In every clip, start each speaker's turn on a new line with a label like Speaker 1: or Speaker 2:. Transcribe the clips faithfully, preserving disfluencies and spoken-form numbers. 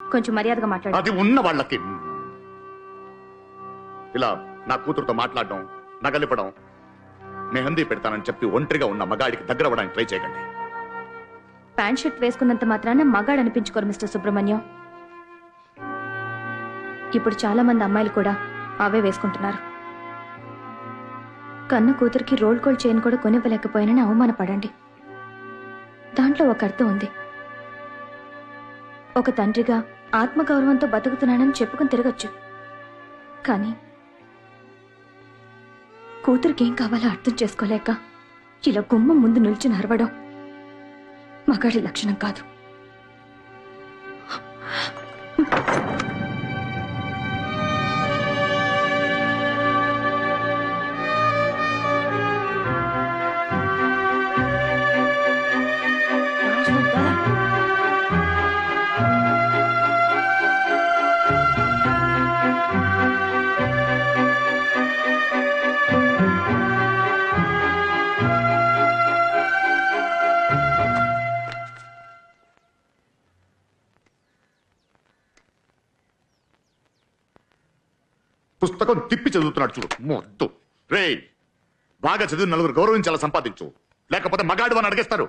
Speaker 1: కొంచెం మర్యాదగా మాట్లాడు.
Speaker 2: అది ఉన్న వాళ్ళకి ఇలా నా కూతురుతో మాట్లాడడం, నగలిపడం, మెహందీ పెడతానని చెప్పి ఒంటరిగా ఉన్న మగాడికి దగ్గర అవ్వడానికి ట్రై చేయకండి.
Speaker 1: ప్యాంట్ షర్ట్ వేసుకున్నంత మాత్రాన మగాడు అనిపించుకోరు మిస్టర్ సుబ్రహ్మణ్యం. ఇప్పుడు చాలా మంది అమ్మాయిలు కూడా అవే వేసుకుంటున్నారు. కన్న కూతురికి రోల్ కోల్ చైన్ కూడా కొనివ్వలేకపోయానని అవమానపడండి. దాంట్లో ఒక అర్థం ఉంది. ఒక తండ్రిగా ఆత్మగౌరవంతో బతుకుతున్నానని చెప్పుకుని తిరగచ్చు. కానీ కూతురికి ఏం కావాలో అర్థం చేసుకోలేక ఇలా గుమ్మం ముందు నిల్చుని అరవడం మగాడి లక్షణం కాదు.
Speaker 2: పుస్తకం తిప్పి చదువుతున్నాడు చూడు మొద్దు. రే, బాగా చదివి నలుగురు గౌరవించాల సంపాదించు, లేకపోతే మగాడు అని అడిగేస్తారు.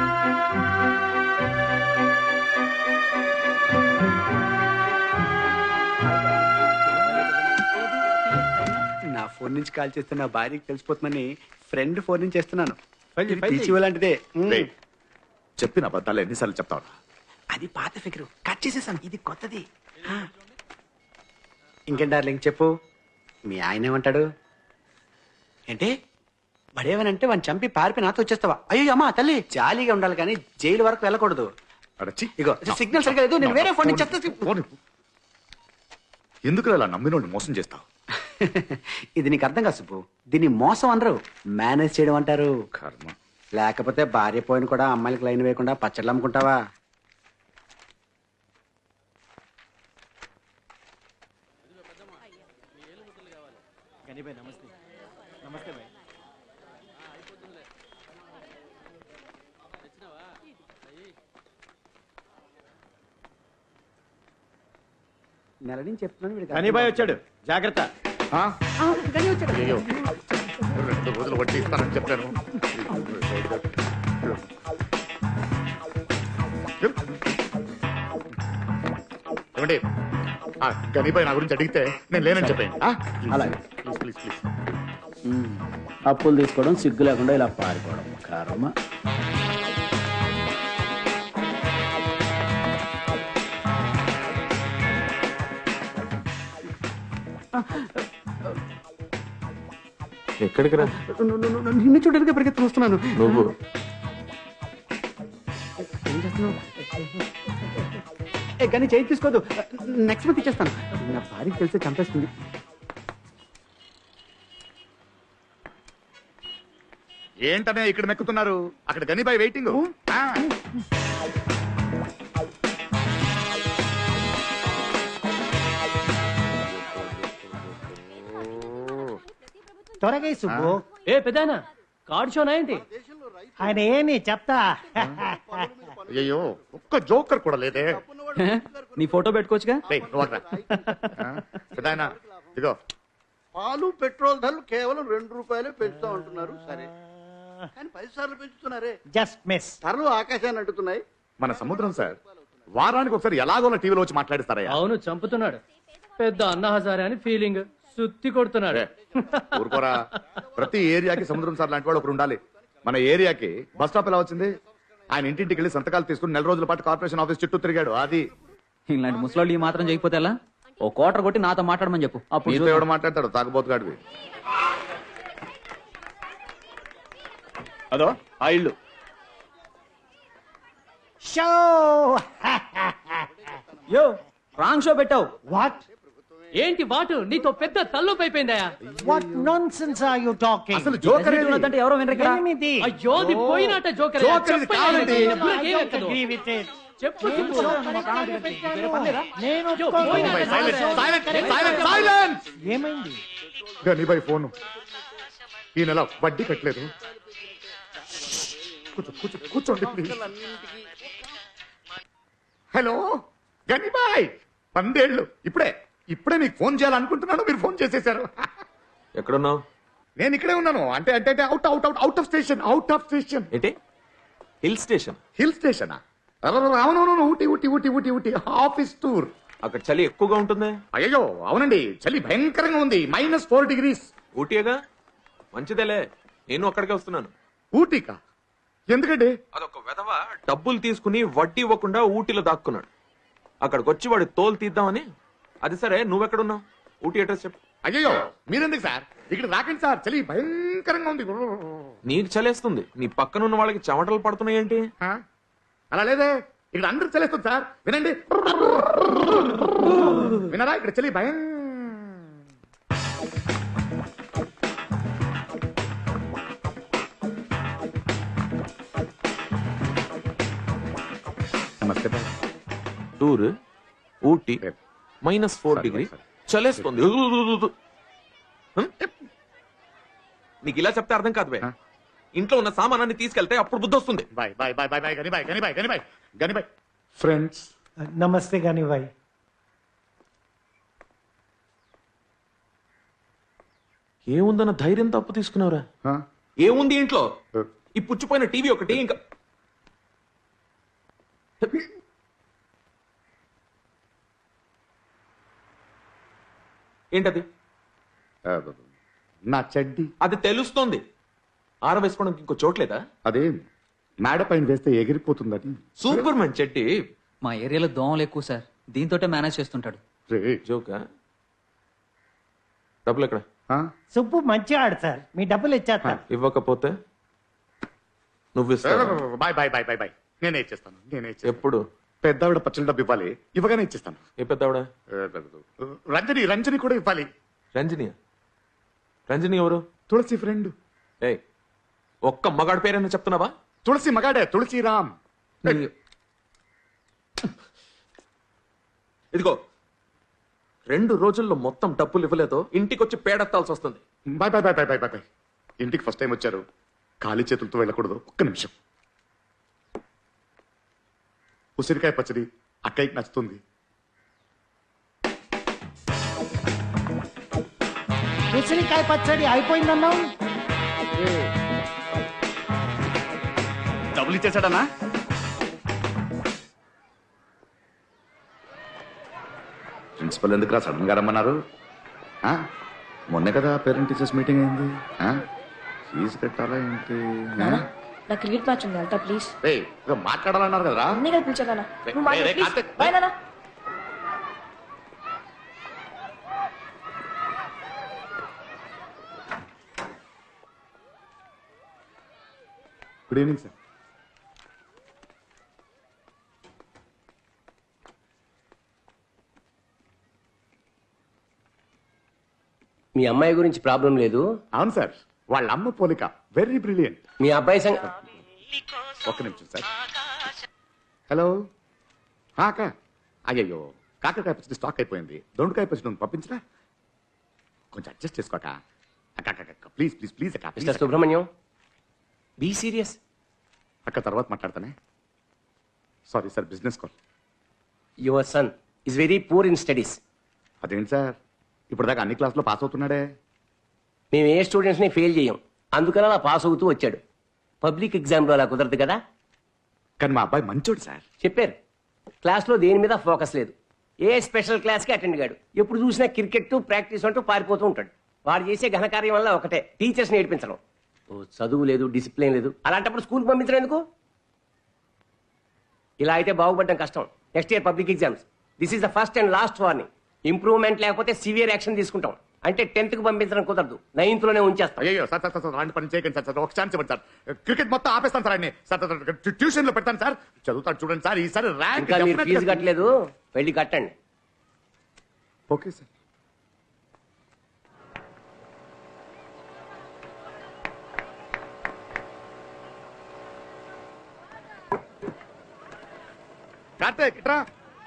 Speaker 3: నా ఫోన్ నుంచి కాల్ చేస్తే నా భార్యకి తెలిసిపోతుందని ఫ్రెండ్ ఫోన్ నుంచి చేస్తున్నాను. లాంటిదే.
Speaker 2: చెప్పిన అబద్ధాలు ఎన్నిసార్లు చెప్తావు?
Speaker 3: అది పాత ఫిగరు, కట్ చేసేసాను. ఇది కొత్తది. ఇంకేం డార్లింగ్ చెప్పు, మీ ఆయన ఏమంటాడు? ఏంటి బడేవనంటే వాడిని చంపి పారిపోయి నాతో వచ్చేస్తావా? అయ్యో అమ్మా తల్లి, జాలీగా ఉండాలి కానీ జైలు వరకు వెళ్ళకూడదు. ఇగో సిగ్నల్ సరిగా లేదు, నేను వేరే ఫోన్ నుంచి.
Speaker 2: ఎందుకు అలా నమ్మినోడిని మోసం చేస్తావు?
Speaker 3: ఇది నీకు అర్థం కాదు సుబ్బు. దీన్ని మోసం అనరు, మేనేజ్ చేయడం అంటారు.
Speaker 2: కర్మ.
Speaker 3: లేకపోతే భార్య పోయిన కూడా అమ్మాయిలకు లైన్ వేయకుండా పచ్చళ్ళు అమ్ముకుంటావా? నెల నుంచి చెప్తున్నాను.
Speaker 4: వచ్చాడు, జాగ్రత్త.
Speaker 2: రెండు రోజులు వడ్డీ ఇస్తానని చెప్పాను. ఏమండి, గనిబాయ్ నా గురించి అడిగితే నేను లేనని చెప్పాను.
Speaker 4: అలాగే.
Speaker 2: Please please please.
Speaker 4: అప్పులు తీసుకోవడం సిగ్గు లేకుండా ఇలా పారిపోవడం కర్మ.
Speaker 2: ఎక్కడికి రా?
Speaker 3: నిన్ను చూడడానికి పరిగెత్తుకు వస్తున్నాను.
Speaker 2: నువ్వు
Speaker 3: ఏం చేస్తున్నావు? ఏ కానీ చేయి తీసుకోదు, నెక్స్ట్ మంత్ ఇచ్చేస్తాను. నా భార్యకి తెలిస్తే చంపేస్తుంది.
Speaker 2: ఏంటనే ఇక్కడ మెక్కుతున్నారు? అక్కడ గనిబాయ్ వెయిటింగ్.
Speaker 5: త్వరగా సుబ్బు.
Speaker 6: ఏ పెదానా, కార్డ్ షోనా ఏంటి?
Speaker 5: ఆయన ఏమి చెప్తా.
Speaker 2: అయ్యో, ఒక్క జోకర్ కూడా లేదే.
Speaker 6: నీ ఫోటో పెట్టుకోవచ్చుగా.
Speaker 2: పెదాయనా ఇదిగో.
Speaker 7: పాలు పెట్రోల్ ధరలు కేవలం రెండు రూపాయలే పెంచుతా ఉంటున్నారు. సరే, కానీ పది సార్లు పెంచుతున్నారే.
Speaker 5: Just miss.
Speaker 7: ధరలు ఆకాశాన్ని అంటున్నాయి.
Speaker 2: మన సముద్రం సార్ వారానికి ఒకసారి ఎలాగోలా టీవీలో వచ్చి మాట్లాడిస్తారా?
Speaker 6: అవును, చంపుతున్నాడు. పెద్ద అన్న హజారే అని ఫీలింగ్, సుత్తి కొడుతున్నాడు.
Speaker 2: ఊరుకోరా, ప్రతి ఏరియాకి సముద్రం సార్ లాంటి వాడు ఒకరు ఉండాలి. మన ఏరియాకి బస్ స్టాప్ ఎలా వచ్చింది? ఆయన ఇంటింటికి వెళ్ళి సంతకాలు తీసుకుని నెల రోజుల పాటు కార్పొరేషన్ ఆఫీస్ చుట్టూ తిరిగాడు. అది
Speaker 6: ఇలాంటి ముసలాళ్ళు ఈ మాత్రం చేయకపోతే ఎలా? ఓ కోటర్ కొట్టి నాతో మాట్లాడమని చెప్పు.
Speaker 2: అప్పుడు ఎవడు మాట్లాడతాడు? తాగబోతుగాడివి.
Speaker 4: అదో ఆ ఇల్లు.
Speaker 5: షో
Speaker 6: యో, రాంగ్ షో పెట్టావు.
Speaker 5: వాట్
Speaker 6: ఏంటి వాటు? నీతో పెద్ద తల్లుపు అయిపోయిందయా.
Speaker 5: What nonsense are you talking?
Speaker 2: అసలు జోకర్
Speaker 6: అంటే ఎవరో వినరు ఇక్కడ.
Speaker 5: ఎనిమిది.
Speaker 6: అయ్యో, ది పోయినట జోకర్.
Speaker 2: జోకర్ ఇది కాదండి.
Speaker 5: Agree with it.
Speaker 6: చెప్పు.
Speaker 5: నేను ఏమైంది?
Speaker 2: గనిబాయ్ ఫోను ఈ నెల వడ్డీ కట్టలేదు. కూర్చో కూర్చో కూర్చోండి ప్లీజ్. హలో, గనిబాయ్ పందేళ్ళు ఇప్పుడే ఇప్పుడే మీకు ఫోన్ చేయాలనుకుంటున్నాను, మీరు ఫోన్ చేసేశారు.
Speaker 8: ఎక్కడున్నావు?
Speaker 2: నేను ఇక్కడే ఉన్నాను. అంటే అంటే అంటే out out out out of station, out of station.
Speaker 8: ఏంటి హిల్ స్టేషన్?
Speaker 2: హిల్ స్టేషనా? అవునవును, ఊటీ ఊటీ ఊటీ ఊటీ ఊటీ ఆఫీస్ టూర్.
Speaker 8: అక్కడ చలి ఎక్కువగా ఉంటుంది.
Speaker 2: అయ్యో అవునండి, చలి భయంకరంగా ఉంది, మైనస్ ఫోర్ డిగ్రీస్.
Speaker 8: ఊటీగా మంచిదేలే, నేను అక్కడికే వస్తున్నాను.
Speaker 2: ఊటీకా? ఎందుకండి?
Speaker 8: అదొక వెధవ డబ్బులు తీసుకుని వడ్డీ ఇవ్వకుండా ఊటీలో దాక్కున్నాడు. అక్కడికి వచ్చి వాడి తోలు తీద్దామని. అది సరే, నువ్వెక్కడున్నావు? ఊటీ అడ్రస్ చెప్పు.
Speaker 2: అయ్యో మీరెందుకు సార్ ఇక్కడ రాకండి సార్, చలి భయంకరంగా ఉంది.
Speaker 8: నీకు చలేస్తుంది, నీ పక్కనున్న వాళ్ళకి చెమటలు పడుతున్నాయి ఏంటి?
Speaker 2: ఆ? అలా లేదే, ఇక్కడ అందరూ చలేస్తుంది సార్. వినండి, వినరా? ఇక్కడ చలి భయం. నమస్తే బాయ్.
Speaker 8: టూర్ ఊటీ
Speaker 2: లేదు.
Speaker 8: Minus four
Speaker 2: Sorry,
Speaker 8: degree
Speaker 2: sorry.
Speaker 8: చలేస్తుంది. హ్మ్? నీకు ఇలా చెప్తే అర్థం కాదు బే.
Speaker 2: ఆ?
Speaker 8: ఇంట్లో ఉన్న సామానాన్ని తీసుకెళ్తే అప్పుడు బుద్ధి వస్తుంది.
Speaker 2: Bye bye bye bye bye గని బాయ్ గని బాయ్ గని బాయ్ గని బాయ్. ఫ్రెండ్స్
Speaker 5: నమస్తే గాని భాయ్.
Speaker 8: ఏముందన్న ధైర్యం తప్పు తీసుకున్నావురా? ఏముంది ఇంట్లో? ఈ పుచ్చిపోయిన టీవీ ఒకటి, ఇంకా ఏంటది?
Speaker 2: నా చెడ్డి.
Speaker 8: అది తెలుస్తోంది. ఆరవేసుకోవడానికి ఇంకో చోట్లేదా?
Speaker 2: అదే మేడ పైన వేస్తే ఎగిరిపోతుందని.
Speaker 8: Super man Chetty.
Speaker 9: మా ఏరియాలో దోమలు ఎక్కువ సార్, దీంతోటే మేనేజ్ చేస్తుంటాడు.
Speaker 2: రే
Speaker 8: జోకా? డబ్బులు ఎక్కడ?
Speaker 2: ఆ?
Speaker 5: సుబ్బు మంచిగా ఆడు సార్, మీ డబ్బులు ఇచ్చేస్తా.
Speaker 8: ఇవ్వకపోతే నువ్వు ఇస్తావా?
Speaker 2: Bye bye bye bye bye. నేనే ఇచ్చేస్తాను, నేనే ఇచ్చేస్తాను.
Speaker 8: ఎప్పుడు?
Speaker 2: పెద్దావిడ పచ్చల డబ్బు ఇవ్వాలి, ఇవ్వగానే ఇచ్చేస్తాను.
Speaker 8: ఏ పెద్దావిడ?
Speaker 2: రంజని రంజని కూడా ఇవ్వాలి.
Speaker 8: రంజని? రంజని ఎవరు?
Speaker 2: తులసి ఫ్రెండ్.
Speaker 8: ఏ ఒక్క మగాడి పేరైనా చెప్తున్నావా?
Speaker 2: తులసి మగాడే, తులసి రామ్.
Speaker 8: ఇదిగో, రెండు రోజుల్లో మొత్తం డబ్బులు ఇవ్వలేదో ఇంటికి వచ్చి పేడెత్తాల్సి వస్తుంది.
Speaker 2: Bye bye bye bye bye bye bye. ఇంటికి ఫస్ట్ టైం వచ్చారు, ఖాళీ చేతులతో వెళ్ళకూడదు. ఒక్క నిమిషం. ఉసిరికాయ పచ్చడి అక్కయ్యకి నచ్చుతుంది.
Speaker 5: ఉసిరికాయ పచ్చడి అయిపోయిందన్నావు.
Speaker 2: డబ్బులు ఇచ్చేసాడనా? ప్రిన్సిపల్ ఎందుకు రా సడన్ గా రమ్మన్నారు? ఆ? మొన్నే కదా పేరెంట్ టీచర్స్ మీటింగ్ అయింది. ఆ? ఫీజు కట్టాలా ఏంటి? ఆ?
Speaker 1: నా క్రికెట్ మ్యాచ్ ఉంది, వెళ్తా ప్లీజ్.
Speaker 2: ఏయ్, ఏదో మాట్లాడాలన్నారు కదరా?
Speaker 1: అన్నీ కల్పించాలా?
Speaker 2: రే,
Speaker 1: నువ్వు
Speaker 2: రే, రే,
Speaker 1: మాట్లాడు ప్లీజ్.
Speaker 2: కార్తీక్,
Speaker 1: బాయ్ నాన్న.
Speaker 2: Good evening sir.
Speaker 10: మీ అమ్మాయి గురించి ప్రాబ్లం లేదు.
Speaker 2: అవును సార్, వాళ్ళ అమ్మ పోలిక వెరీ బ్రిలియంట్.
Speaker 10: మీ అబ్బాయి సంగ
Speaker 2: ఒక్క నిమిషం సార్. హలో అక్క. అయ్యయ్యో, కాకరకాయ పచ్చడి స్టాక్ అయిపోయింది. దొండకాయ పచ్చడి ఉంది, పంపించరా? కొంచెం అడ్జస్ట్ చేసుకోక. అక్క అక్క అక్క ప్లీజ్ ప్లీజ్ ప్లీజ్ అక్క. please
Speaker 10: మిస్టర్
Speaker 2: అక్క.
Speaker 10: Subrahmanyam, be serious.
Speaker 2: అక్క తర్వాత మాట్లాడతానే. Sorry sir, business call.
Speaker 10: Your son is very poor in studies.
Speaker 2: అదేంటి సార్, ఇప్పుడు దాకా అన్ని క్లాసులో పాస్ అవుతున్నాడే.
Speaker 10: మేము ఏ స్టూడెంట్స్ ని ఫెయిల్ చేయం, అందుకని అలా పాస్ అవుతూ వచ్చాడు. పబ్లిక్ ఎగ్జామ్లో అలా కుదరదు కదా.
Speaker 2: కానీ మా అబ్బాయి మంచోడు సార్.
Speaker 10: చెప్పారు, క్లాస్లో దేని మీద ఫోకస్ లేదు. ఏ స్పెషల్ క్లాస్కి అటెండ్ కాడు. ఎప్పుడు చూసినా క్రికెట్ ప్రాక్టీస్ అంటూ పారిపోతూ ఉంటాడు. వాడు చేసే ఘనకార్యం వల్ల ఒకటే, టీచర్స్ నేర్పించడం. ఓ చదువు లేదు, డిసిప్లిన్ లేదు. అలాంటప్పుడు స్కూల్కి పంపించడం ఎందుకు? ఇలా అయితే బాగుపడడం కష్టం. Next year public exams. This is the first and last warning. Improvement లేకపోతే సివియర్ యాక్షన్ తీసుకుంటాం. అంటే టెన్త్ కు పంపించడం కుదరదు, నైన్త్ లోనే ఉంచేస్తాం.
Speaker 2: అయ్యో సార్ సార్ సార్ అలాంటి పని చేయకండి సార్. సార్ ఒక ఛాన్స్ ఇవ్వండి సార్. క్రికెట్ మొత్తం ఆపేస్తాను సార్ అన్ని. సార్ సార్ ట్యూషన్ లో పెడతాను సార్, చదువుతాడు చూడండి సార్. ఈసారి ర్యాంక్
Speaker 10: ఇంకా మీరు ఫీజు కట్టలేదు, వెళ్ళి కట్టండి.
Speaker 2: Okay sir. కార్తీక్ ఇట్రా.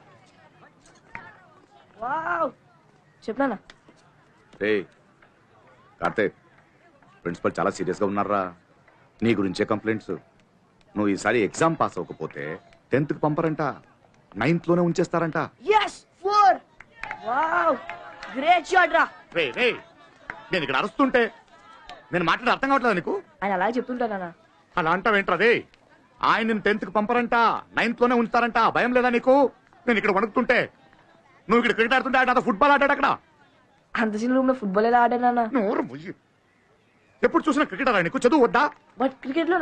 Speaker 1: చెప్పనా?
Speaker 2: రే కార్తీక్, ప్రిన్సిపల్ చాలా సీరియస్ గా ఉన్నారా? నీ గురించే కంప్లైంట్స్. నువ్వు ఈసారి ఎగ్జామ్ పాస్ అవ్వకపోతే టెన్త్ కి పంపరంట. నైన్త్ లోనే ఉంచేస్తారంట.
Speaker 11: Yes four wow great shot రా.
Speaker 2: రే రే నేను ఇక్కడ అరుస్తుంటే నేను మాట్లాడే అర్థం కావట్లేదు నీకు?
Speaker 11: ఆయన అలా చెప్తుంటానా?
Speaker 2: అలా అంటావేంట్రదే? ఆయన నేను టెన్త్ కి పంపరంట, నైన్త్ లోనే ఉంచుతారంట. భయం లేదా నీకు? నేను ఇక్కడ వణుకుతుంటే నువ్వు ఇక్కడ క్రికెట్ ఆడుతుంటే ఆయన ఫుట్బాల్ ఆడాడు అక్కడ.
Speaker 11: అంత చిన్న రూమ్ లో ఫుట్బాల్ ఎలా ఆడానా?
Speaker 2: నోరు మూయి. ఎప్పుడు చూసినా క్రికెట్ ఆడా నీకు? చదువు వద్దా?
Speaker 11: బట్ క్రికెట్ లో